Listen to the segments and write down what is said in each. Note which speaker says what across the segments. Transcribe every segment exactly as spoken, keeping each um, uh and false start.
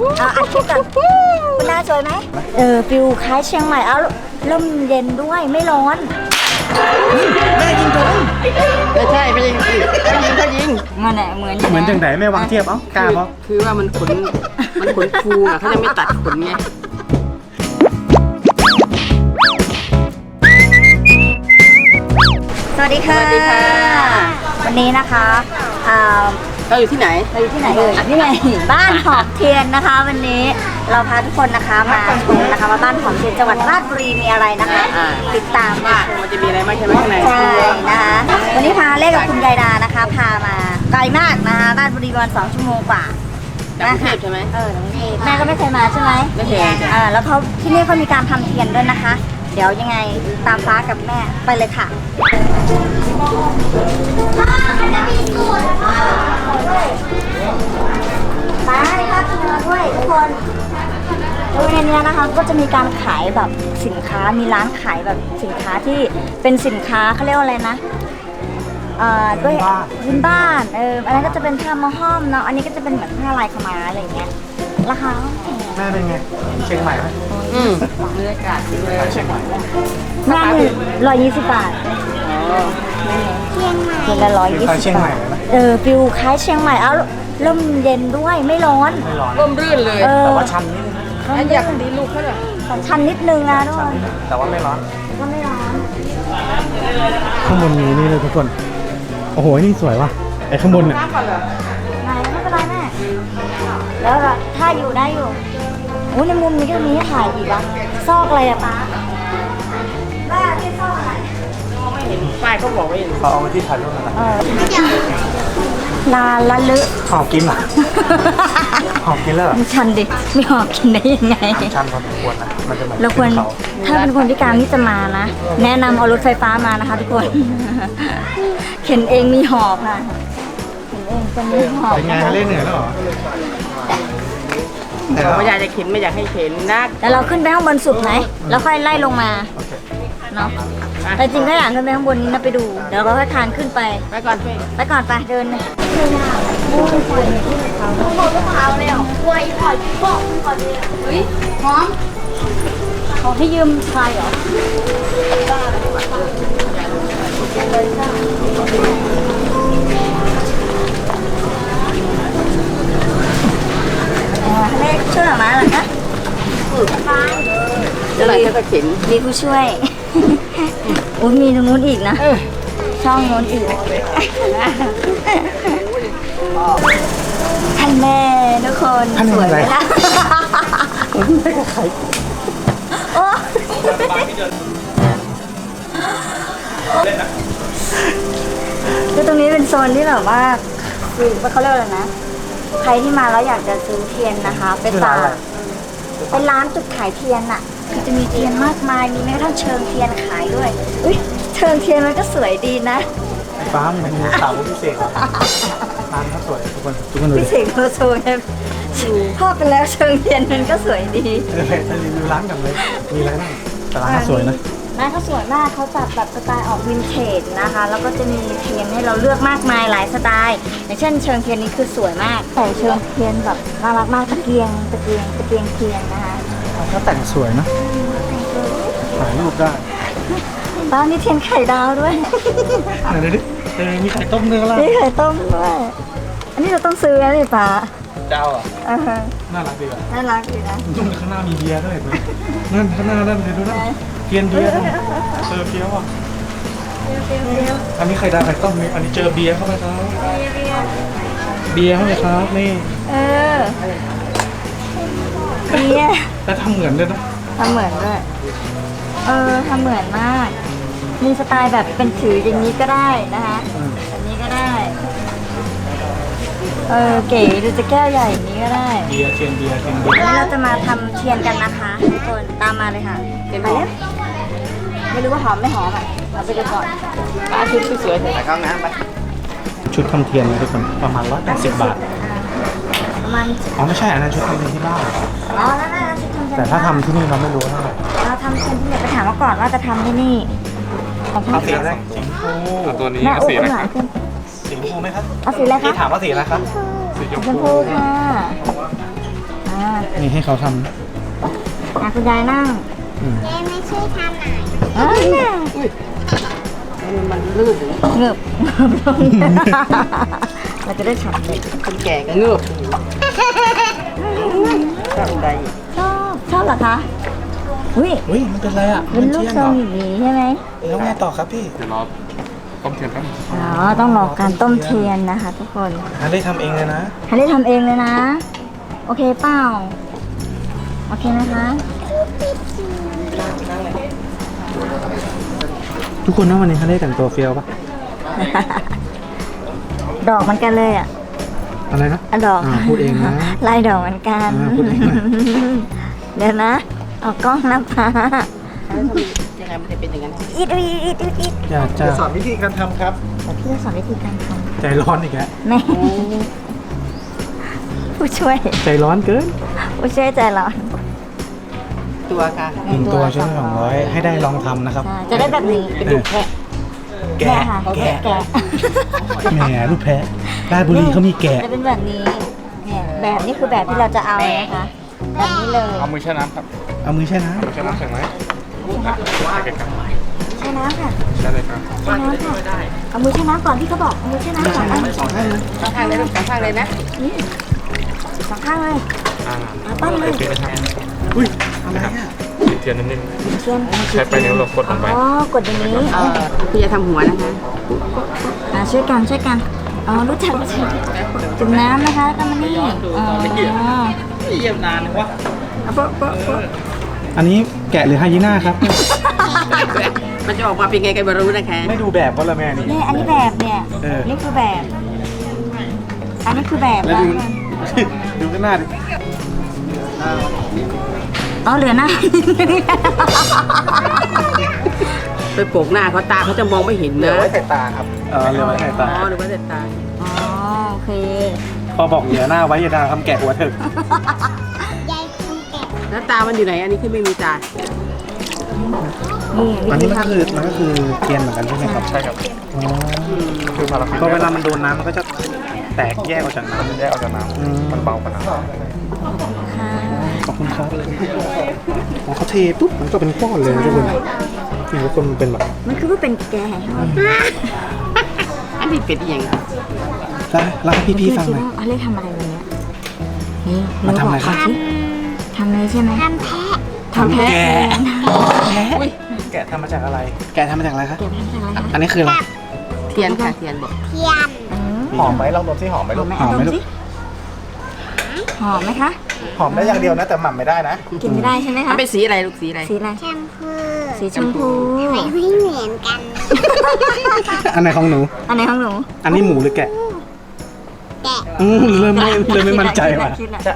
Speaker 1: เอาอัดคลิปก่อนคุณน่าสวยไหมเออฟิวคล้ายเชียงใหม่เอาลมเย็นด้วยไม่ร้อน
Speaker 2: แม่ยิงโดนไม่ใช่ไม่ยิงสิเขายิงเขายิง
Speaker 1: มันแหละเหมือน
Speaker 3: เหมือนจังไหนแม่วางเทียบเอ้ากล้าเพราะ
Speaker 2: คือว่ามันขนมันขนฟูอ่ะเขาจะไม่ตัดขนไง
Speaker 1: สวัสดีค่ะวันนี้นะคะ
Speaker 2: เราอยู่ที่ไหน
Speaker 1: เราอยู่ที่ไหนเอ่ยนี่ไงบ้านหอมเทียนนะคะวันนี้เราพาทุกคนนะคะมาชมนะคะว่าบ้านหอมเทียนจังหวัดราชบุรีมีอะไรนะคะติดตามว่า
Speaker 2: มันจะมีอะไรบ้างใช่ไหมข้างใน
Speaker 1: ใช่นะคะวันนี้พาเล่กับคุณยายดานะคะพามาไกลมากนะคะราชบุรีประมาณสองชั่วโมงกว่า
Speaker 2: จากกรุงเทพใช่ไหม
Speaker 1: เออกรุงเทพแม่ก็ไม่เคยมาใช่ไหม
Speaker 2: ไม่เคย
Speaker 1: อ่าแล้วเขาที่นี่เขามีการทำเทียนด้วยนะคะเดี๋ยวยังไงตามฟ้ากับแม่ไปเลยค่ะไปค่ะคุณด้วยทุกคนโดยในนี้นะคะก็จะมีการขายแบบสินค้ามีร้านขายแบบสินค้าที่เป็นสินค้าเขาเรียกว่าอะไรนะเอ่อด้วยพื้นบ้านเอออันนั้นก็จะเป็นผ้ามาห้อมเนาะอันนี้ก็จะเป็นเหมือนผ้าลายขม้าอะไรเงี้ยราคา
Speaker 3: แม่เป็นไงเชียงใหม่ไหม
Speaker 2: อืมบรรยากาศดีเลย
Speaker 3: เชียงใหม่
Speaker 1: แม่ร้อยยี่สิบบาทเชียงใหม่เชียงละร้อยยี่สิบบาทเออฟิวคล้ายเชียงใหม่เอาลมเย็นด้วยไม่ร้อน
Speaker 3: ไม่ร้อน
Speaker 2: ร่มรื่นเลย
Speaker 3: แต่ว่าชันนิดนึง
Speaker 2: อันอยากดีลูกเขาเลย
Speaker 1: ชันนิดนึงนะทุกคน
Speaker 3: แต่ว่าไม่ร้อน
Speaker 1: ก็ไม่ร้อน
Speaker 3: ข้างบนนี้นี่เลยทุกคนโอ้โหนี่สวยว่ะไอ้ข้างบนเนี่ย
Speaker 1: ไหนไม่เป็นไรแม่แล้วถ้าอยู่ได้อยู่โอ้ในมุมนี้ก็มีให้ถ่ายอีกอ่ะซอกอะไรอะป้าป้าที่ซอกอะไร
Speaker 2: ไม่เห็นป้ายเขาบอกไม่เห็น
Speaker 3: เขาเอาที่ถ่ายรูปอะไร
Speaker 1: ลาละลึ
Speaker 3: หอบกินเหรอหอบกินแล้ว
Speaker 1: มันชันดิไม่หอบกินได้ยังไง
Speaker 3: ชันพอสมควรนะมันจะเหมือน
Speaker 1: เราควรถ้าเป็นคนพิการที่จะมานะแนะนำเอารถไฟฟ้ามานะคะทุกคนเข็นเองมีหอบค่ะเข็นเองจะมีหอบ
Speaker 3: เป็นไงเล่นเหนื่อยแล้วเหรอ
Speaker 2: ไม่อยากจะเข็นไม่อยากให้เข็นนะ
Speaker 1: แล้วเราขึ้นไปข้างบนสุดไหมแล้วค่อยไล่ลงมาเนาะแต่จริงก็อยากขึ้นไปข้างบนนี้นะไปดูเดี๋ยวเราค่อยคานขึ้นไป
Speaker 2: ไปก่อนไป
Speaker 1: ไปก่อนไปเดินเลยโอ้ยปล่อยเขาเขาเลยอ่ะปล่อยปล่อยปล่อยปล่อยเลยเฮ้ยหอมเขาให้ยืมชายเหรอเลขช่วยหน่อยมาเหรอคะ
Speaker 2: จะอะไรก็เข็น
Speaker 1: มีผู้ช่วยอุ้ยมีตรงนู้นอีกนะช่องนู้นอีกท่านแม่ทุกคนสวยไหมล่ะ
Speaker 3: ไม่กับใคร
Speaker 1: โอ้คือตรงนี้เป็นโซนที่แบบว่าคือเขาเรียกอะไรนะใครที่มาแล้วอยากจะซื้อเทียนนะคะเป็นตาเป็นร้านจุดขายเทียนอะคือจะมีเทียนมากมายมีแม้กระทั่งเชิงเทียนขายด้วยอุ้ยเชิงเทียนมันก็สวยดีนะ
Speaker 3: ฟ้ามันมีสาวพิเศษร้านเขาสวยทุกคนทุกคนดู
Speaker 1: พิเศษโลโซเนี่ยพ่อไปแล้วเชิงเทียนมันก็สวยดี
Speaker 3: เออจะรีวิวร้านกันเลยมีอะไรบ้างแต่ร้านเขาสวยนะ
Speaker 1: ร้านเขาสวยมากเขาจัดแบบสไตล์ออกวินเทจนะคะแล้วก็จะมีเทียนให้เราเลือกมากมายหลายสไตล์อย่างเช่นเชิงเทียนนี้คือสวยมากแต่เชิงเทียนแบบน่ารักมากตะเกียงตะเกียงตะเกียงเทียนนะคะ
Speaker 3: เขาแต่งสวยนะถ่ายรูปได้
Speaker 1: บ้านนี้เทียนไข่ดาวด้วย
Speaker 3: ไหนดูดิเออมีไข่ต้มเนื้อละ
Speaker 1: มีไข่ต้มด้วยอันนี้เราต้องซื้อนะนี่ป้า
Speaker 3: เจ้าอ่ะน่ารักดีอ่ะ
Speaker 1: น่ารักดีนะ
Speaker 3: ยุ่งข้างหน้ามีเบียร์ด้วยนั่นข้างหน้านั่นเลยดูนะเทียนเบียร์เจอเบียร์ว่ะอันนี้ไข่ดาวไข่ต้มนี่อันนี้เจอเบียร์เข้าไปครับเบียร์เข้าไปครับนี่
Speaker 1: เออเบียร์
Speaker 3: แล้วทำเหมือนด้วยนะ
Speaker 1: ทำเหมือนด้วยเออทำเหมือนมากมีสไตล์แบบเป็นถืออย่างนี้ก็ได้นะคะแบบนี้ก็ได้เออเก๋ดูจะแก้วใหญ่อย่างนี้ก็ได้
Speaker 3: เบียร์เทียนเบียร์เทียนเบียร์
Speaker 1: นี่เราจะมาทำเทียนกันนะคะทุกคนตามมาเลยค่ะ
Speaker 2: เทียนหอม
Speaker 1: ไม่รู้ว่าหอมไม่หอมอ่ะเราไปดูก่อน
Speaker 2: ป้าชุดสวยๆใส่ข้างน้ำไป
Speaker 3: ชุดทำเทียนนะทุกคนประมาณร้อยแปดสิบบาท
Speaker 1: ประมาณ
Speaker 3: อ๋อไม่ใช่อันนั้นชุดทำเทียนที่บ้าน
Speaker 1: อ๋อนั่นน่ะชุดทำเทียน
Speaker 3: แต่ถ้าทำที่นี่เราไม่รู้เท่าไหร่
Speaker 1: เราทำเทียนที่ไหนไปถามมาก่อนว่าจะทำที่นี่
Speaker 3: เอาสีอะไรสีชมพู
Speaker 4: ตัวนี้เอาสีอะไร
Speaker 3: สีชมพูไหมครับ
Speaker 1: เอาสีอะไรคะ
Speaker 3: พี่ถามว่าสีอะไรครับ
Speaker 4: สีชม
Speaker 1: พูค่ะ
Speaker 3: นี่ให้เขาท
Speaker 1: อ่ะคุณยายนั่ง
Speaker 3: ำอืม
Speaker 4: เจ๊ไม่ช่วยทำหน่อย
Speaker 1: อ่า
Speaker 2: มันลื่น
Speaker 1: เงือบเราจะได้ฉ่ำเลย
Speaker 2: คนแก่ก็เงือบทำใจ
Speaker 1: ชอบชอบเหรอคะอุ้ย
Speaker 3: อุ้ยมันเป็นอะไรอ่ะ
Speaker 1: เป็นลูกทรงอย่างนี้ใช่ไหม
Speaker 3: แล้วไงต่อครับพี่
Speaker 5: เดี๋ยวรอต้มเทียนแป๊บนึง
Speaker 1: อ๋อต้องรอการต้มเทียนนะคะ ทุกคน
Speaker 3: ฮาเล่ทำเองเลยนะ
Speaker 1: ฮันได้ทำเองเลยนะ โอเคเปล่าโอเคนะคะ
Speaker 3: ทุกคนนะวันนี้ฮาเล่แต่งตัวเฟี้ยวปะ
Speaker 1: ดอกเหมันกันเลยอ่ะ
Speaker 3: อะไรนะ
Speaker 1: อะดอก
Speaker 3: อ่าพูดเองนะ
Speaker 1: ลายดอกเหมือนกัน
Speaker 3: อ่าพูดเองนะ
Speaker 1: เดี๋ยวนะเอากล้องนะป้า
Speaker 2: ยังไงมันจะเป็นอย่างนั้น
Speaker 1: อีดอีดอีดอีดอีด
Speaker 3: อยากจะสอนวิธีการทำครับ
Speaker 1: แต่พี่จะสอนวิธีการท
Speaker 3: ใจร้อนอีกแล้ว
Speaker 1: ำแม่ผู้ช่วย
Speaker 3: ใจร้อนเกิน
Speaker 1: ผู้ช่วยใจร้อน
Speaker 2: ตัวค่ะ
Speaker 3: หนึ่งตัวช่วยสองร้อยให้ได้ลองทำนะครับ
Speaker 1: ใช่จะได้แบบนี้
Speaker 2: เป็นลูกแพะ
Speaker 3: แกะ
Speaker 1: แม่ค่ะ
Speaker 3: แกะ
Speaker 1: แกะ
Speaker 3: แหมลูกแพะราชบุรีเขามีแกะ
Speaker 1: จะเป็นแบบนี้เนี่ยแบบนี้คือแบบที่เราจะเอานะคะแบบนี้เลย
Speaker 5: เอามือแช่น้ำครับ
Speaker 3: เอามือแช่น้
Speaker 5: มือแช่น้ำใส่ไหมใส่ไกล
Speaker 1: ใช่น้ำค่ะ
Speaker 5: ๆใช่เลยครับ
Speaker 1: ใช่น้ำค่ะเอามือใช้น้ำก่อนพี่เขาบอกเอามือใช้น้ำก่อนเอา
Speaker 2: สองข้างเลยสองข้างเลยลูกสองข้างเลยนะ
Speaker 1: นี่สองข้างเลย
Speaker 5: อ่า
Speaker 1: เอาปั้นเลย
Speaker 5: เทียนนะครับ
Speaker 3: ำอุ้ยอะไรอ่ะ
Speaker 5: ติดเทียนนิด
Speaker 1: เทียน
Speaker 5: ๆใช้ไปลายนิ้วเรากดลงไป
Speaker 1: อ๋อกดอย่างนี้
Speaker 2: เออคุณจะทำหัวนะคะ
Speaker 1: อ่าช่วยกันช่วยกันอ๋อรู้จักรู้จักจุ่มน้ำนะคะแล้วก็มานี่อ๋อ
Speaker 3: เยี่ยมนานวะ
Speaker 1: เอาโปะโปะโปะ
Speaker 3: อันนี้แกะหรือไฮยีน่าครับ
Speaker 2: มันจะออกมาเป็นไงกันไม่รู้นะคะ
Speaker 3: ไม่ดูแบบก็ละแม่นี่
Speaker 1: นี่อันนี้แบบเนี่ย
Speaker 3: เออ
Speaker 1: นี่คือแบบ อันนี้คือแบบ
Speaker 3: แล้ว
Speaker 1: นะ
Speaker 3: ดู ดูข้างหน้าดิ
Speaker 1: อ๋อเหลือหน้า
Speaker 2: ไปโปกหน้าเขาตาเขาจะมองไม่เห็นนะ
Speaker 3: เออเหลือไว้ใส่ตา
Speaker 2: อ๋อหรือว่าแต่ตา
Speaker 1: อ๋อโอเค
Speaker 3: พอบอกเหลือหน้าไว้อย่าด่าทำแกะหัวเถอะ
Speaker 4: ยายคนแก่
Speaker 2: แล้วตามันอยู่ไหนอันนี้คือไม่มีตา
Speaker 1: นี่
Speaker 3: อัน
Speaker 1: วิ
Speaker 3: นี้
Speaker 1: ธี
Speaker 3: มันก็
Speaker 1: ทำ
Speaker 3: คือมันก็คือเทียนเหมือนกันใช่ไหมครับ
Speaker 5: ใช่ครับ
Speaker 3: อ๋อ
Speaker 5: คือพาราฟิน
Speaker 3: พอเวลามันโดนน้ำมันก็จะแตกแยกออกจากน้
Speaker 5: มันแยกออกจากน้
Speaker 3: อืม
Speaker 5: ำมันเบากว่าน้ำ
Speaker 1: ค่ะ
Speaker 3: ำขอบคุณครับอ๋อเขาเทปุ๊บมันก็เป็นก้อนเลยนะทุกคนนี่ทุกคนมันเป็นแบบ
Speaker 1: มันคือว่าเป็นแกง
Speaker 2: อันนี้เป็นอหย่าง
Speaker 3: แล้วแล้วให้พี่ๆฟังหน่อย
Speaker 1: เขาเรียกทำอะไรวันเนี้ยนี่
Speaker 3: มันทำอะไร
Speaker 1: เาบก
Speaker 3: ครับ
Speaker 1: สิทำอะไรใช่ไหม
Speaker 4: ทำแพะ
Speaker 1: ทำแพ้
Speaker 3: แกะ
Speaker 1: แพ้
Speaker 3: แกะทำมาจากอะไร แกะทำมาจากอะไรครับ
Speaker 1: แกะทำจากอะไรคะ
Speaker 3: อันนี้คืออะไร
Speaker 2: เทียนค่ะเทียนบอก
Speaker 4: เทียน
Speaker 1: อืม
Speaker 3: หอมไหมลองดมซิหอมไหม
Speaker 1: ห
Speaker 3: ลู
Speaker 1: อม
Speaker 3: ก
Speaker 1: ไหม
Speaker 3: หอมไหม
Speaker 1: ด
Speaker 3: ลูก
Speaker 1: สิหอมไหมคะ
Speaker 3: หอมได้อย่างเดียวนะแต่หม่ำไม่ได้นะ
Speaker 1: กินไม่ได้ใช่ไหม
Speaker 2: มั
Speaker 1: คะ
Speaker 2: นเป็นสีอะไรลูกสีอะไร
Speaker 1: สีอะไร
Speaker 4: แชมพู
Speaker 1: สีชมพู
Speaker 4: ไม่ไม่เหมือนกัน
Speaker 3: อันไหนของหนู
Speaker 1: อันไหนของหนู
Speaker 3: อันนี้หมูหรือแกะ
Speaker 4: แกะ
Speaker 3: อืมเริ่มไม่เริ่มไม่มั่นใจว่ะ
Speaker 1: คิดแหละ
Speaker 3: จะเอา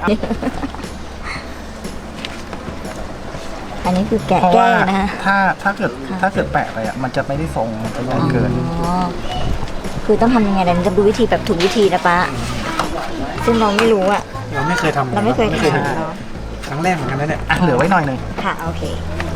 Speaker 1: อันนี้คือแกะ
Speaker 6: เพราะ
Speaker 1: แก้
Speaker 6: ว่า
Speaker 1: นะคะ
Speaker 6: ถ้าถ้าเกิดถ้าเกิดแปะไปอ่ะมันจะไม่ได้ทรงมันจะใหญ่เกิน
Speaker 1: อ๋อคือต้องทำยังไงเดี๋ยวจะดูวิธีแบบถูกวิธีนะป้าซึ่งเราไม่รู้อ่ะ
Speaker 3: เราไม่เคยทำ
Speaker 1: เราไม่เคยทำ
Speaker 3: ทำ
Speaker 1: เนาะ
Speaker 3: ครั้งแรกเหมือนกันนะเนี่ย
Speaker 6: อ่ะเหลือไว้หน่อยหนึ่ง
Speaker 1: ค่ะโอเค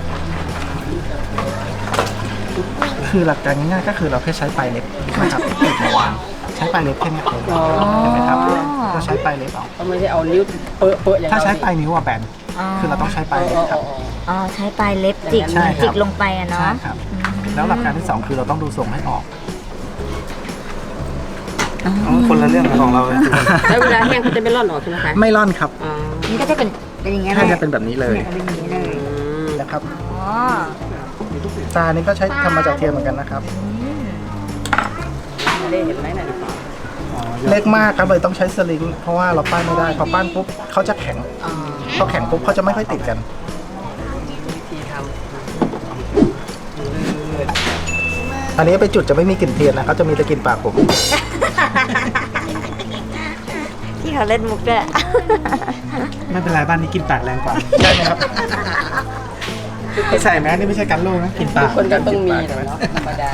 Speaker 6: คือหลักการง่ายๆก็คือเราแค่ใช้ปลายเล็บนะครับติดมาวางใช้ปลายเล็บแค่เนี้ย
Speaker 2: อ๋อ
Speaker 6: เห็นไหมครับเราใช้ปลายเล็บเอา
Speaker 2: เขาไม่ได้เอานิ้วเปอะเปอะอย่าง
Speaker 6: ถ้าใช้
Speaker 2: เร
Speaker 6: ปลายนิ้วอะแบนคือเราต้องใช้ปลายเล็บครับ
Speaker 1: อ๋อใช้ปลายเล็บจิก
Speaker 6: ใช่ครับ
Speaker 1: จิกลงไปอะ
Speaker 6: ใช่
Speaker 1: เนาะ
Speaker 6: ครับ แล้วหลักการที่สองคือเราต้องดูทรงให้ออก
Speaker 3: อ๋อคนละเรื่องกับของเราเลย
Speaker 2: แล้วเวลาแห้งเขาจะไม่ร่อนออกใช่ไหมคะ
Speaker 6: ไม่ร่อนครับ
Speaker 2: อ๋อ
Speaker 1: นี่ก็จะเป็นเป็นอย่างเงี้ย
Speaker 6: แค่
Speaker 1: เลย
Speaker 6: จะเป็นแบบนี้เลย
Speaker 1: เนี่ยเป็นอย่างนี้เลย
Speaker 6: นะครับ
Speaker 1: อ๋อ
Speaker 6: ตานี้ก็ใช้ทำมาจากเทียนเหมือนกันนะครับ
Speaker 2: ไม่ได้เห็นไหมน่ะ
Speaker 6: เล็กมากครับเลยต้องใช้สลิงเพราะว่าเราปั้นไม่ได้พอปั้นปุ๊บเขาจะแข็ง
Speaker 2: อ๋อ
Speaker 6: พอแข็งปุ๊บเขาจะไม่ค่อยติดกัน
Speaker 2: วิธีท
Speaker 6: อันนี้ไปจุดจะไม่มีกลิ่นเทียนนะเขาจะมีแต่กลิ่นปากผม
Speaker 1: ที่เขาเล่นมุกด้วย
Speaker 3: ไม่เป็นไรบ้านนี้กินปากแรงกว่าใช่ไหมครับไม่ใส่แมสนี่ไม่ใช่กันโลกนะกิน
Speaker 2: ำ
Speaker 3: ปา
Speaker 2: ทุ
Speaker 3: ก
Speaker 2: กคนก็ต้องมีแหละเนาะธรรมดา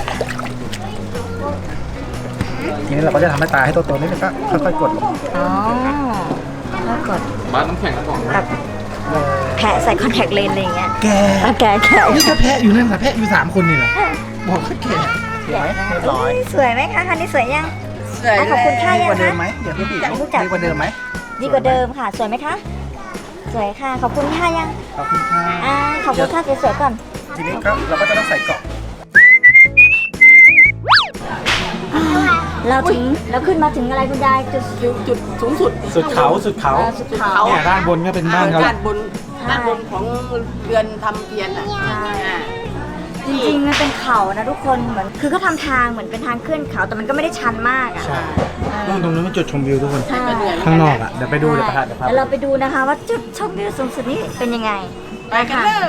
Speaker 6: ทีนี้เราก็จะทำให้ตาให้โตๆนิดนึงก็ค่อยๆกดลง
Speaker 1: อ๋อแล้วกด
Speaker 5: บ้านน้ำแข็งก่อน
Speaker 1: แบบแพะใส่คอนแทคเลนส์อะไรอย่างเงี้ย
Speaker 3: แก
Speaker 1: แล้วแกะแกะ
Speaker 3: นี่ก็แพะอยู่นั่นนะแพะอยู่สามคนนี่แหละบอกว่าแก
Speaker 6: เห็นไหมเรียบร้อย
Speaker 1: สวยไหมคะคันนี้สวยยัง
Speaker 2: สวย
Speaker 1: อ่ะขอบคุณค่ะ
Speaker 6: ดี
Speaker 1: ยั
Speaker 6: ก
Speaker 1: ง
Speaker 6: ว่าเดิ
Speaker 1: คะ
Speaker 6: มไหมเดี๋ยวพี่ปี
Speaker 1: จะรู้จัก
Speaker 6: ดีกว่าเดิมไหม
Speaker 1: ดีกว่าเดิมค่ะ สวยไหมคะสวยค่ะ ขอบคุณค่ะยัง
Speaker 6: ขอบคุณค่ะ
Speaker 1: อ่าขอบคุณค่ะสวยๆก่อน
Speaker 6: ทีนี้ก็เราก็จะต้องใส่เกาะ
Speaker 1: เราถึงเราขึ้นมาถึงอะไรคุณยายจุด
Speaker 2: จุดสูงสุด
Speaker 3: สุดเขาสุดเขา
Speaker 1: เอ่อสุดเขา
Speaker 3: เนี่ยด้านบนก็เป็นบ้านเขา
Speaker 2: ด้านบนด้านบนของเรือนทำเทียนอ่ะ
Speaker 1: ใช่
Speaker 2: อ่า
Speaker 1: จริงๆมันเป็นเขานะทุกคนเหมือนคือก็ทำทางเหมือนเป็นทางขึ้นเขาแต่มันก็ไม่ได้ชันมากอ่ะ
Speaker 3: ใช่นู่นตรงนู้นเป็นจุดชมวิวทุกคน
Speaker 1: ใช่
Speaker 3: ข้างนอกอ่ะ เดี๋ยวไปดูเดี๋ยวพาเดี๋ยวพา
Speaker 1: แล้วเราไปดูนะคะว่าจุดชมวิวสูงสุดนี้เป็นยังไง
Speaker 2: ไปกันเลย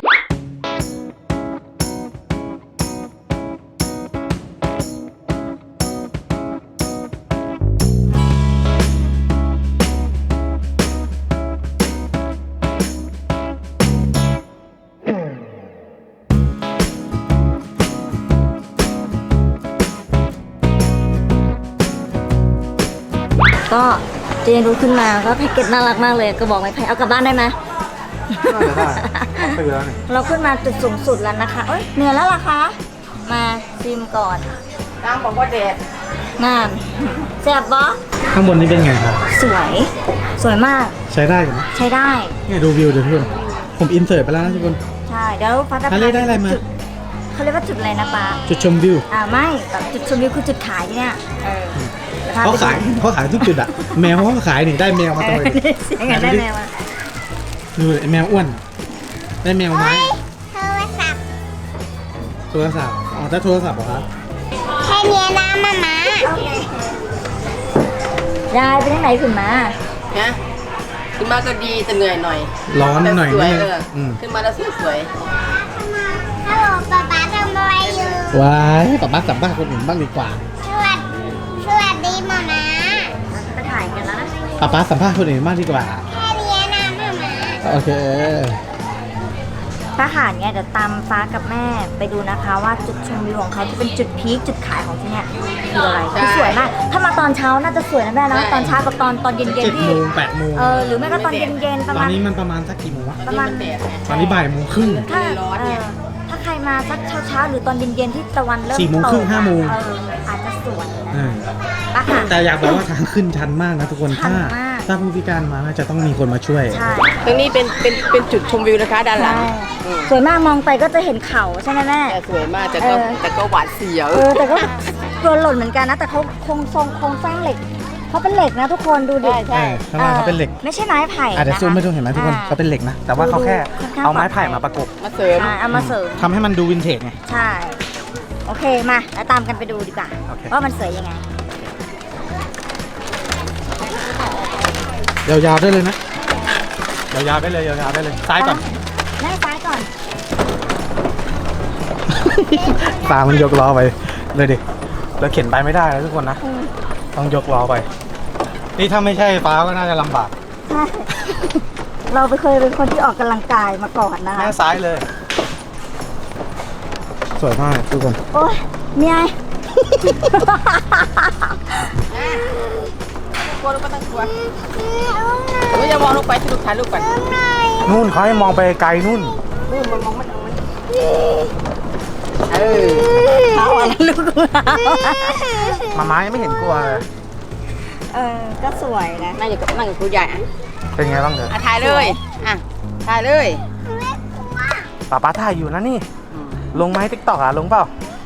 Speaker 1: ก็เจนรู้ขึ้นมาก็แพ็กเกจน่ารักมากเลยก็บอกไม้ไผ่เอากลับบ้านได้ไหม
Speaker 3: น่าจะได้เอาไปแล้วนี่
Speaker 1: เราขึ้นมาจุดสูงสุดแล้วนะคะ เอ้ยเหนื่อยแล้วล่ะคะ มาซิมก่อน
Speaker 2: นางบอกว่าแดด
Speaker 1: งามแซ่บปะ
Speaker 3: ข้างบนนี้เป็นไงครับ
Speaker 1: สวย สวยมาก
Speaker 3: ใช้ได้ไหม
Speaker 1: ใช้ได้
Speaker 3: เนี่ยดูวิวเดี๋ยวทุกคนผมอินเสิร์ตไปแล้วนะทุกคน
Speaker 1: ใช่ เดี๋ยวฟ้าจะ
Speaker 3: อันนี้ได้อะไรมา
Speaker 1: จุเขาเรียกว่าจุดอะไรนะป้า
Speaker 3: จุดชมวิว
Speaker 1: อ่าไม่แบบจุดชมวิวคือจุดขายที่เนี่ยเออดี๋วพ
Speaker 3: เขา
Speaker 1: ไปดู
Speaker 3: ขายเขาขายทุกจุดอ่ะ แมวเขาก็ขายนี่ได้แมวมาตัวหนึง
Speaker 1: เสียงกันได้แมวมา
Speaker 3: ดูไอ้แมวอ้วน ได้แมวไม้
Speaker 4: โทรศัพท์
Speaker 3: โทรศัพท์อ๋อถ้าโทรศัพท์เหรอครับ
Speaker 4: แค่เนี้ยนะมาม่าย
Speaker 1: ายไปที่ไหนขึ้นมา
Speaker 2: นะขึ้นมาก็ดีแต่เหนื่อยหน่อย
Speaker 3: ร้อนหน่อย
Speaker 2: แต่สว
Speaker 3: นึ
Speaker 2: ย
Speaker 3: ง
Speaker 2: เอออ
Speaker 3: อืม
Speaker 2: ขึ้นมาแล้วสวย
Speaker 4: ฮัลโหลป๊าป๊าทำอะไรอยู่
Speaker 3: ว้ายป้าป้าสัมภาษณ์คนอื่นบ้างดีกว่า
Speaker 4: สวัสดีสวัสดีมาม่า
Speaker 1: ไปถ่ายกันแล้วนะ
Speaker 3: ป้าป้าสัมภาษณ์คนอื่นบ้างดีกว่า
Speaker 4: แค่เนี้ยนะมาม่า
Speaker 3: โอเค
Speaker 1: ถ้าหารเนี่ยเดี๋ยวตามฟ้ากับแม่ไปดูนะคะว่าจุดชมวิวของเขาที่เป็นจุดพีคจุดขายของที่เนี่ยคืออะไรคือสวยมาก ถ้ามาตอนเช้าน่าจะสวยนะแม่นะตอนเช้ากับตอนตอนเย็น
Speaker 3: เจ็ด
Speaker 1: ๆที่
Speaker 3: โมงแปดโมง
Speaker 1: เออหรือไม่ก็ตอนเย็นๆประ
Speaker 3: ตอ
Speaker 1: มาน ณ
Speaker 3: นี้มันประมาณสักกี่โมงวะ
Speaker 2: ๆ
Speaker 1: ประมาณ
Speaker 2: นี่นแดดไง
Speaker 3: ตอนนี้บ่ายโมงครึ่ง
Speaker 1: ถ้า
Speaker 2: ร้อน
Speaker 1: เอ
Speaker 2: ไง
Speaker 1: อถ้าใครมาสักเช้าๆหรือตอนเย็นๆที่ตะวันเริ่ม
Speaker 3: สี่โมงครึ่ง
Speaker 1: ตก
Speaker 3: ห้าโมง
Speaker 1: เอออาจจะสวยนะ
Speaker 3: เออ
Speaker 1: ปะค่ะ
Speaker 3: แต่อยากบอกว่าทางขึ้นชันมากนะทุกคน
Speaker 1: ชัน
Speaker 3: ถ้าม
Speaker 1: าก
Speaker 3: ถ้าผู้พิการมาน่าจะต้องมีคนมาช่วย
Speaker 1: ใช่
Speaker 2: ตรงนี้เป็นเป็นเป็นจุดชมวิวนะคะด้านหลัง
Speaker 1: ใช่
Speaker 2: อืม
Speaker 1: สวยมากมองไปก็จะเห็นเขาใช่ไหมแม่
Speaker 2: แต่สวยมากแต่ก็
Speaker 1: เออ
Speaker 2: แต่ก็หวาดเสียว
Speaker 1: เออแต่ก็กลัวหล่นเหมือนกันนะ แต่เขาคงทรงโครงสร้างเหล็กเขาเป็นเหล็กนะทุกคนดูดิ
Speaker 2: ใช่ใช่
Speaker 3: เออข้างล่างเขาเป็นเหล็ก
Speaker 1: ไม่ใช่ไม้ไผ่
Speaker 3: อาจจะ
Speaker 1: นะคะ
Speaker 3: ซูมไม่ดูเห็นไหมทุกคน
Speaker 1: อ่
Speaker 3: เขาเป็นเหล็กนะ แต่ว่าเขาแค่
Speaker 1: ค่อนข้าง
Speaker 3: เอาไม้ไผ่มาประกบ
Speaker 2: มาเสริม
Speaker 1: ใช่เอามาเสริม
Speaker 3: ทำให้มันดูวินเทจไง
Speaker 1: ใช่ โอเคมาแล้วตามกันไปดูดีกว่า
Speaker 3: โอเค
Speaker 1: ว่ามันสวยยังไง
Speaker 3: ยาวๆได้เลยนะยาวๆได้เลยยาวๆได้เลยซ้ายก่อน
Speaker 1: แม่ซ้ายก่อน
Speaker 3: ตามันยกล้อไปเลยดิแล้วเข็นไปไม่ได้นะทุกคนนะ ต้องยกล้อไป นี่ถ้าไม่ใช่ฟ้าก็น่าจะลำบาก
Speaker 1: ใช่ เราไปเคยเป็นคนที่ออกกำลังกายมาก่อนนะคะ
Speaker 3: แม่ซ้ายเลย สวยมากทุกคน
Speaker 1: โอ้ยเมีย
Speaker 2: กลัวลูกก็ต้องกลัวหนูอย่ามองลงไปที่ลูกถ่ายรูปก่อน
Speaker 3: นู่นเขาให้มองไปไกลนู่น
Speaker 2: นู่นมันมองไม่ถึงมันเออ
Speaker 1: เอาอะไรลูกเรา
Speaker 3: มาม้ายังไม่เห็นกลัวเลย
Speaker 1: เออ ก็สวยนะ
Speaker 2: นั่งอยู่กับนั่งกับครูใหญ่อ่ะ
Speaker 3: เป็นไงบ้างเถอะ
Speaker 2: อ่ะถ่ายเลย อ่ะ ถ่ายเลย
Speaker 3: ป้าป้าถ่ายอยู่นะนี่ ลงไหมติ๊กต็อกอ่ะ ลงเปล่า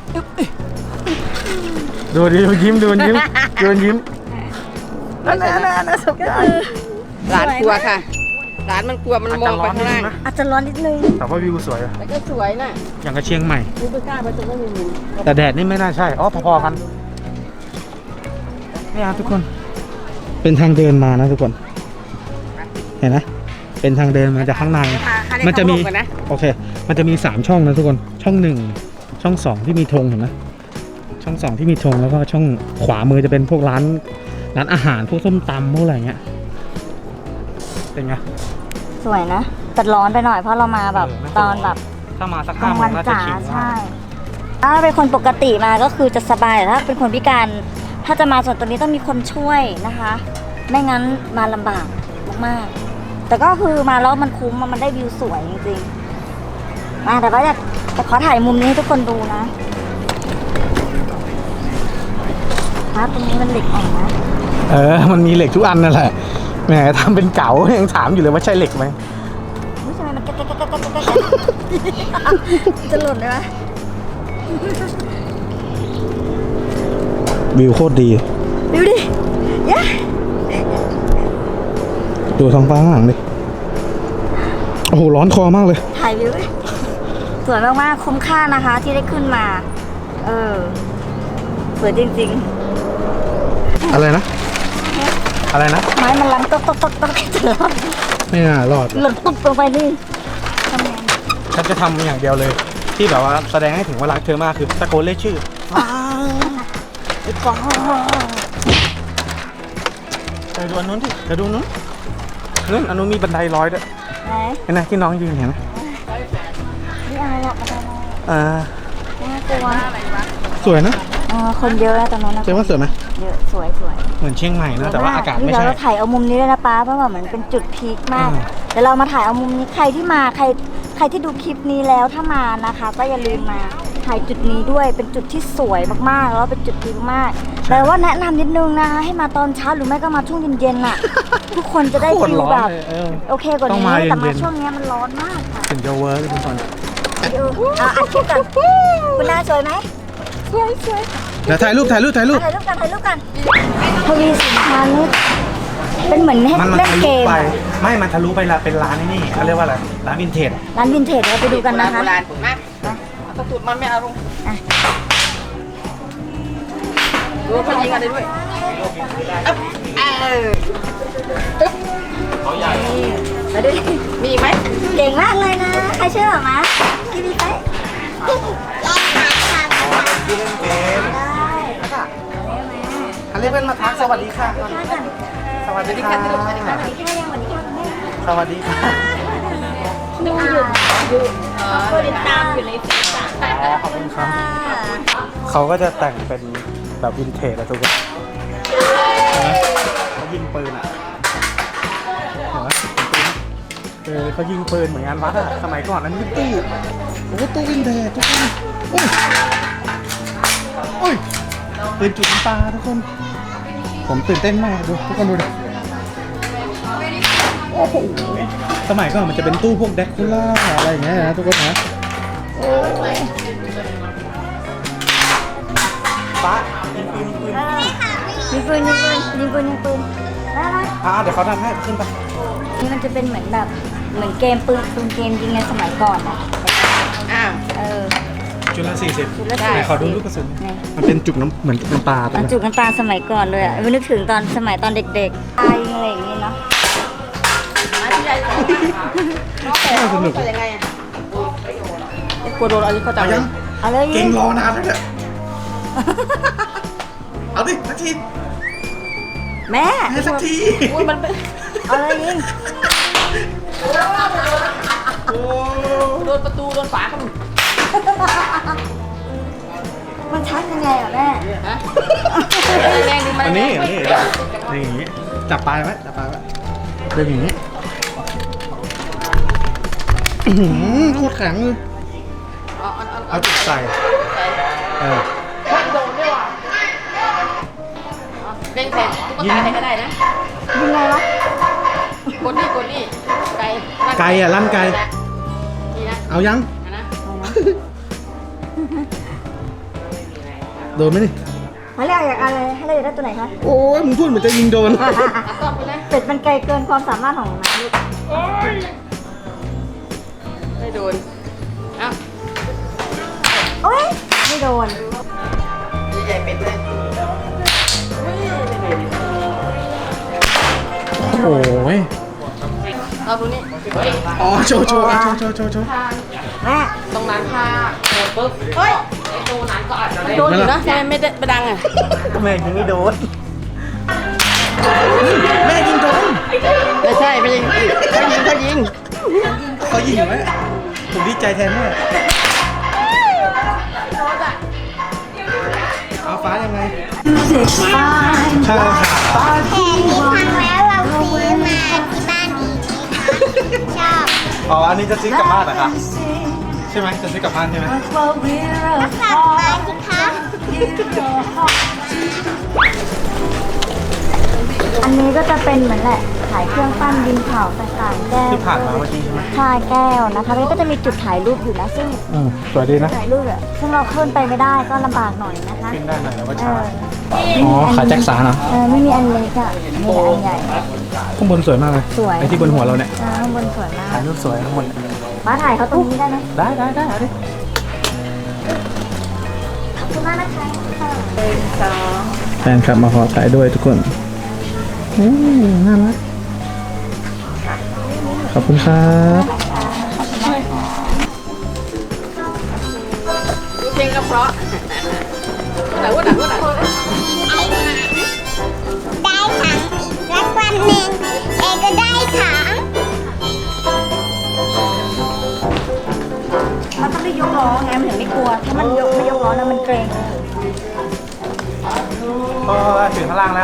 Speaker 3: ดูดิดูยิ้มดูยิ้มดูยิ้มนั่นนั่นนั่นสบใจ
Speaker 2: หลานกลัวค่ะ หลานมันกลัวมันมองไปข้างล่าง
Speaker 1: อาจจะร้อนนิดนึง
Speaker 3: แต่ว่าวิวสวยอะ
Speaker 2: แต่ก็สวยน่ะ
Speaker 3: อย่างกับเชียงใหม่
Speaker 2: กูไม่กล้าไปตรงนั้นมี
Speaker 3: แต่แดดนี่ไม่น่าใช่ อ๋อ พอๆกัน นี่ครับทุกคน เป็นทางเดินมานะทุกคน เห็นไหมเป็นทางเดินมาจากข้างใน มันจะมี
Speaker 2: กันนะ
Speaker 3: โอเค มันจะมีสามช่องนะทุกคน ช่องหนึ่ง ช่องสองที่มีธงเห็นไหมช่องสองที่มีธงแล้วก็ช่องขวามือจะเป็นพวกร้าน ร้านอาหาร พวกส้มตำพวกอะไรเงี้ย เป็นไง
Speaker 1: สวยนะ แต่ร้อนไปหน่อยเพราะเรามาแบบ
Speaker 3: เออไม่
Speaker 1: ต
Speaker 3: ค่อย
Speaker 1: อนแบบ
Speaker 3: ถ้ามาสัก
Speaker 1: ก
Speaker 3: ห้า
Speaker 1: ลาง
Speaker 3: โม
Speaker 1: วั
Speaker 3: ง
Speaker 1: น
Speaker 3: น่าจะ
Speaker 1: จ๋า
Speaker 3: ชิล
Speaker 1: ใช่ ถ้าเป็นคนปกติมาก็คือจะสบายแต่ถ้าเป็นคนพิการ ถ้าจะมาส่วนตัวนี้ต้องมีคนช่วยนะคะ ไม่งั้นมาลำบากมากๆ แต่ก็คือมาแล้วมันคุ้มมันได้วิวสวยจริงๆมาแต่ว่าจะแต่ขอถ่ายมุมนี้ให้ทุกคนดูนะพาร์ทตรงนี้มันเหล็กอ่อนนะ
Speaker 3: เออ มันมีเหล็กทุกอันนั่นแหละ
Speaker 6: แหมทำเป็นเก๋ายังถามอยู่เลยว่าใช่เหล็กไหม
Speaker 1: ไม่ใช่มันแก๊กแก๊กแก๊กแก๊กแก๊กแก๊กจะหล่นได้ไหม
Speaker 6: วิวโคตรดี
Speaker 1: ดูดิยะ
Speaker 6: ดูท้องฟ้าข้างหลังดิโอ้โหร้อนคอมากเลย
Speaker 1: ถ่ายวิวดิสวยมากๆคุ้มค่านะคะที่ได้ขึ้นมา เออสวยจริงๆ
Speaker 6: อะไรนะ อะไรนะ
Speaker 1: ไม้มันลังตกตกตกตกจะรอด
Speaker 6: ไม่น่ารอด
Speaker 1: หล่นตุ๊บลงไปนี่ทำไง
Speaker 6: ฉันจะทำอย่างเดียวเลย ที่แบบว่าแสดงให้ถึงว่ารักเธอมากคือตะโกนเรียกชื่อฟ้าไอ้ฟ้าไปดูอันนู้นที่เดี๋ยวดูอันนู้นนู้นอันนู้นมีบันไดลอยด้วย
Speaker 1: ไหน
Speaker 6: เห็นไหมที่น้องยืนเห็นไหม
Speaker 1: นี่อะไรหรอกอะไร
Speaker 6: อ่า
Speaker 1: น่ากลัว
Speaker 6: สวยนะ
Speaker 1: เออคนเยอะนะตอนนั้นนะ
Speaker 6: เจ๊ว่าสวยไหม
Speaker 1: เยอะสวยสวย
Speaker 6: เหมือนเชียงใหม่นะแต่ว่าอากาศไม่
Speaker 1: เดี๋ยว
Speaker 6: ใช่
Speaker 1: เราถ่ายเอามุมนี้ด้วยนะป้าเพราะว่าเหมือนเป็นจุดพีคมาก
Speaker 6: อืม
Speaker 1: เดี๋ยวเรามาถ่ายเอามุมนี้ใครที่มาใครใครที่ดูคลิปนี้แล้วถ้ามานะคะ ก็อย่าลืมมาถ่ายจุดนี้ด้วยเป็นจุดที่สวยมากๆแล้วเป็นจุดพีคมากแต่ว่าแนะนำนิดนึงนะคะให้มาตอนเช้าหรือไม่ก็มาช่วงเย็นๆน่ะ ทุกคนจะได้
Speaker 6: โคตร
Speaker 1: ฟิล
Speaker 6: ร้อน
Speaker 1: แบบ
Speaker 6: เลยเออ
Speaker 1: โอเคกว่า
Speaker 6: ต้อง
Speaker 1: นี้
Speaker 6: มาเย็นๆ
Speaker 1: แต่มาช่วงนี้มันร้อนมากค่ะ
Speaker 6: ถึงจะเวิร์กทุกคน
Speaker 1: เออเอาอัดคลิปกันคุณน่าสวยไหมสวยสวย
Speaker 6: เดี๋ยวถ่ายรูปถ่ายรูปถ่ายรูป
Speaker 1: ถ่ายรูปกันถ่ายรูปกันทวีสินค้านี่เป็นเหมือนให้
Speaker 6: มันมัน
Speaker 1: เล่น
Speaker 6: ทะ
Speaker 1: เก
Speaker 6: ลุ
Speaker 1: ม
Speaker 6: ไป
Speaker 1: อะ
Speaker 6: ไม่มันทะลุไปละเป็นร้านไอ้นี่เขาเรียกว่าอะไรร้านวินเทจ
Speaker 1: ร้านวินเทจเราไปดูกันนะคะ
Speaker 2: โบราณผมนะตะตุดมันไม่เอาลงดูเขายิงกันได้ด้วยเออ
Speaker 1: มาดูดิ
Speaker 2: มีอีกไหม
Speaker 1: เก่งมากเลยนะใครเชื่อหมากินดีไปได้
Speaker 6: เขาเรียกเพื่อนมาทักสวัสดีค่ะ
Speaker 1: ข้ากัน
Speaker 6: สวัสดีค่ะ
Speaker 1: สวัสดีค่ะสวัสดีค่ะสวัสดีค่ะแม่
Speaker 6: สวัสดีค่ะ
Speaker 1: ดูอยู่อยู่คนติดตามอยู่ในฟีด
Speaker 6: อ๋อขอบคุณครับเขาก็จะแต่งเป็นแบบวินเทจอะทุกคนเขายิงปืนอะเห็นไหมเออเขายิงปืนเหมือนงานวัดอะสมัยก่อนนั้นเป็นตู้โอ้ตู้วินเทจทุกคนโอ้ยโอ้ยปืนจุดน้ำตาทุกคน ผมตื่นเต้นมากดูทุกคนดูดิโอ้โหสมัยก่อนมันจะเป็นตู้พวกแดกคูล่าอะไรอย่างเงี้ยนะทุกคนนะโอ้ยป้ายิงปืนยิงปืน
Speaker 1: ยิงปืนยิงปืนยิงปืนยิงปืนได้ไหม
Speaker 6: อ่าเดี๋ยวเขาทำให้ขึ้นไป
Speaker 1: นี่มันจะเป็นเหมือนแบบเหมือนเกมปืนปืนเกมยิงในสมัยก่อนอะ
Speaker 2: อ้าว
Speaker 1: เออ
Speaker 6: จุดละสี่สิบ
Speaker 1: จุดละ
Speaker 6: ไหนขอดูลูกกระสุนมันเป็นจุกน้ำเหมือนเป็นปลาตัว
Speaker 1: มัน
Speaker 6: นี้
Speaker 1: จุกน้ำตาลสมัยก่อนเลยอ่ะไม่นึกถึงตอนสมัยตอนเด็กๆตายอะไรอย่างนี้เนาะ
Speaker 6: น่าสนุก
Speaker 2: ไปยังไงอ่ะกลัวโดนอะไรเขาจับ
Speaker 6: เอายัง
Speaker 1: เอาเลย
Speaker 6: เก่
Speaker 1: ยิ
Speaker 6: ง
Speaker 1: ง
Speaker 6: รอนานแล้วเนี่ยเอาดิสักที
Speaker 1: แม่
Speaker 6: ให้สักที
Speaker 2: อุ้ยมันเป็น
Speaker 1: เอาเลยยิง
Speaker 6: โอ้
Speaker 2: โดนประตูโดนฝาเขา
Speaker 1: มันชักยังไงอ่ะแม่
Speaker 2: ฮะแรงดิมัน
Speaker 6: อันนี้อันนี้นี่อย่างงี้จับปลายไว้จับปลายไว้เดินอย่างงี้อื้อหือโคตรแข็งเลย
Speaker 2: เอาเอาเอา
Speaker 6: เอาจุดใส่เออ
Speaker 2: โดนด้วยว่ะเล่นแทนตุ๊กตาใครก็ได้นะ
Speaker 1: ยิงไงวะ
Speaker 2: กดนี่กดนี่ไก่
Speaker 6: ไก่อะลั่นไก่
Speaker 2: นี่นะ
Speaker 6: เอายัง
Speaker 2: อันนะ
Speaker 6: โดนไหมนี่
Speaker 1: เขาเรียกอยากอะไรให้เราอยากได้ตัวไหนคะ
Speaker 6: โอ้ยมึงพูดเหมือนจะยิงโดน
Speaker 2: ตัดต่อไปเลย
Speaker 1: เป็ดมันไกลเกินความสามารถของน้าลูก
Speaker 2: ไม่โดนเอ้า
Speaker 1: โอ๊ยไม่โดน
Speaker 2: ใหญ่ๆเป็ดเลย
Speaker 6: โอ้ย
Speaker 2: เอาตรงนี้เฮ้ย
Speaker 6: อ๋อโชว์โชว์โชว์โชว์โชว์โชว์
Speaker 1: แม่
Speaker 2: ตรงนั้นค่ะเปิดปุ๊บเฮ้ยไอ้ตัวนั้นก็อาจจะโดนอยู่นะทำไมไม่ได้ไม่ดังอ่ะ
Speaker 6: แม่ยิงไม่โดนแม่ยิงโดน
Speaker 2: ไม่ใช่ไม่ยิงเขายิงเขายิง
Speaker 6: เขายิงไหมผมดีใจแทนแม่เอาฟ้ายังไงใช่ค่ะ
Speaker 4: แผ่นนี้ครั้งแล้วเราซื้อมาที่บ้านอีกชอบ
Speaker 6: อ๋ออันนี้จะซื้อกลับบ้านเหรอคะใช่ไหมจะซื้อกลับบ้านใช่ไหม
Speaker 4: ก็สั่งมาสิคะ
Speaker 1: อันนี้ก็จะเป็นเหมือนแหละขายเครื่องปั้นดินเผาต่างๆแก้ว
Speaker 6: ที่ผ่านมาเมื่อกี้ใช่ไหม
Speaker 1: ใช่แก้วนะคะแล้วก็จะมีจุดถ่ายรูปอยู่นะซึ่ง
Speaker 6: อืมสวยดีนะ
Speaker 1: ถ่ายรูปอะซึ่งเราขึ้นไปไม่ได้ก็ลำบากหน่อยนะคะ
Speaker 6: ขึ้นได้หน่อยแล้วว่า
Speaker 1: เอ
Speaker 6: ช้า
Speaker 1: อ
Speaker 6: อ๋อขายแจ็คสันเหรอ
Speaker 1: เออไม่มีอันเล็กอ่ะมีแต่อันใหญ่
Speaker 6: ข้างบนสวยมากเลย
Speaker 1: สวย
Speaker 6: ไอ้ที่บนหัวเราเนี่ย
Speaker 1: เออข้างบนสวยมาก
Speaker 6: ถ่ายรูปสวยข้างบน
Speaker 1: มาถ่ายเขาตรงนี้ได้ไหม
Speaker 6: ได้ได้ได้เอาดิ
Speaker 1: ขอบคุณมากนะคะ
Speaker 6: แฟนคลับมาขอถ่ายด้วยทุกคนอืมน่ารักขอบคุณครับ
Speaker 2: ดูเพลงก็เพราะหนังว่าหนังว่าหนัง
Speaker 4: ได้ถังแล้ววันหนึ่งเอก็ได้ถัง
Speaker 1: มันต้องได้ยกล้อไงมันถึงไม่กลัวถ้ามันยกไม่ยกล้อแล้วมันเกรง
Speaker 6: พอถึงข้างล่างแล้ว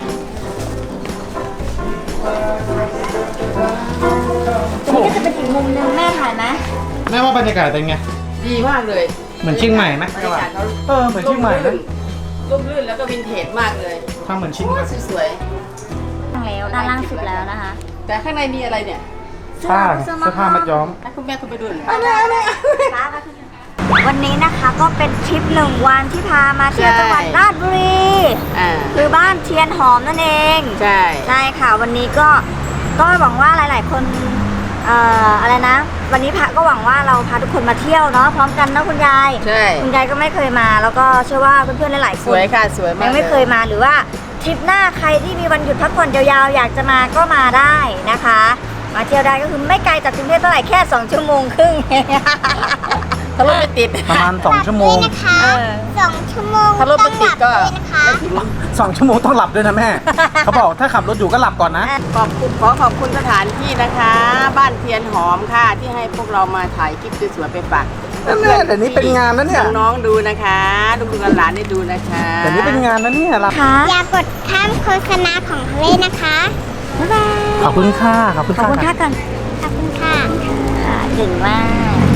Speaker 1: ตรงนี้ก็จะเป็นอีกมุมหนึงแม่ถ่ายไหม
Speaker 6: แม่ว่าบรรยากาศเป็นไง
Speaker 2: ดีมากเลย
Speaker 6: เหมือนเชียงใหม่ไหม
Speaker 2: บรรยากาศเขา
Speaker 6: เออเหมือนเชียงใหม่นะ
Speaker 2: ร่มรื่นแล้วก็วินเทจมากเลย
Speaker 6: ทำเหมือนเชียงใหม่
Speaker 2: สวย
Speaker 1: แล้วด้านล่างสุดแล้วนะคะ
Speaker 2: ๆแต่ข้างในมีอะไรเนี่ย
Speaker 6: ผ้าเสื้อผ้ามัดย้อม
Speaker 2: ให้คุณแม่คุณไปดูหน่อย
Speaker 1: เอาเลยเอาเลยวันนี้นะคะก็เป็นทริปหนึ่งวันที่พามาเที่ยวจังหวัดราชบุรี
Speaker 2: อ่า
Speaker 1: คือบ้านเทียนหอมนั่นเอง
Speaker 2: ใช่
Speaker 1: ใช่ค่ะวันนี้ก็ก็หวังว่าหลาย ๆ คนเอ่ออะไรนะ วันนี้พระก็หวังว่าเราพาทุกคนมาเที่ยวเนาะพร้อมกันนะคุณยาย
Speaker 2: ใช่
Speaker 1: คุณยายก็ไม่เคยมาแล้วก็เชื่อว่าเพื่อนๆหลายๆค
Speaker 2: ส
Speaker 1: น
Speaker 2: วยค่ะสวยมาก
Speaker 1: ยังไม่เคยมาหรือว่าทริปหน้าใครที่มีวันหยุดพักผ่อนยาวๆอยากจะมาก็มาได้นะคะ มาเที่ยวได้ก็คือไม่ไกลจากกรุงเทพเท่าไหร่แค่สองชั่วโมงครึ่ง
Speaker 2: ถ้ารถไม่ติด
Speaker 6: ประมาณสองชั่วโมง
Speaker 4: ด้วยนะคะ
Speaker 1: เออ
Speaker 4: สองชั่วโมง
Speaker 2: ถ้ารถ
Speaker 4: ต้
Speaker 2: ไม่
Speaker 4: อง
Speaker 2: ติ
Speaker 4: ห
Speaker 2: ด
Speaker 4: ลับ
Speaker 2: ก็
Speaker 4: ด้วยนะคะ
Speaker 2: ไม่ถึง
Speaker 6: สองชั่วโมงต้องหลับด้วยนะแม่ เขาบอกถ้าขับรถอยู่ก็หลับก่อนนะ
Speaker 2: ขอบคุณขอขอบคุณสถานที่นะคะ บ้านเทียนหอมค่ะ ที่ให้พวกเรามาถ่ายคลิปสวยๆไปฝาก
Speaker 6: นั่นแน่แต่นี้เป็นงานนะเนี่ย
Speaker 2: น้องๆดูนะคะลูกๆหลานๆได้ดูนะคะ
Speaker 6: แต่นี้เป็นงานนะเนี่ยเรา
Speaker 1: ค่ะ
Speaker 4: อย่ากดข้ามโฆษณาของทะเลนะคะ
Speaker 1: บ๊ายบาย
Speaker 6: ขอบคุณค่ะขอบคุณ
Speaker 1: ขอบ
Speaker 6: ค่ะ
Speaker 1: คุณค่ะกัน
Speaker 4: ขอบคุณค่ะ
Speaker 1: ค่ะเก่งมาก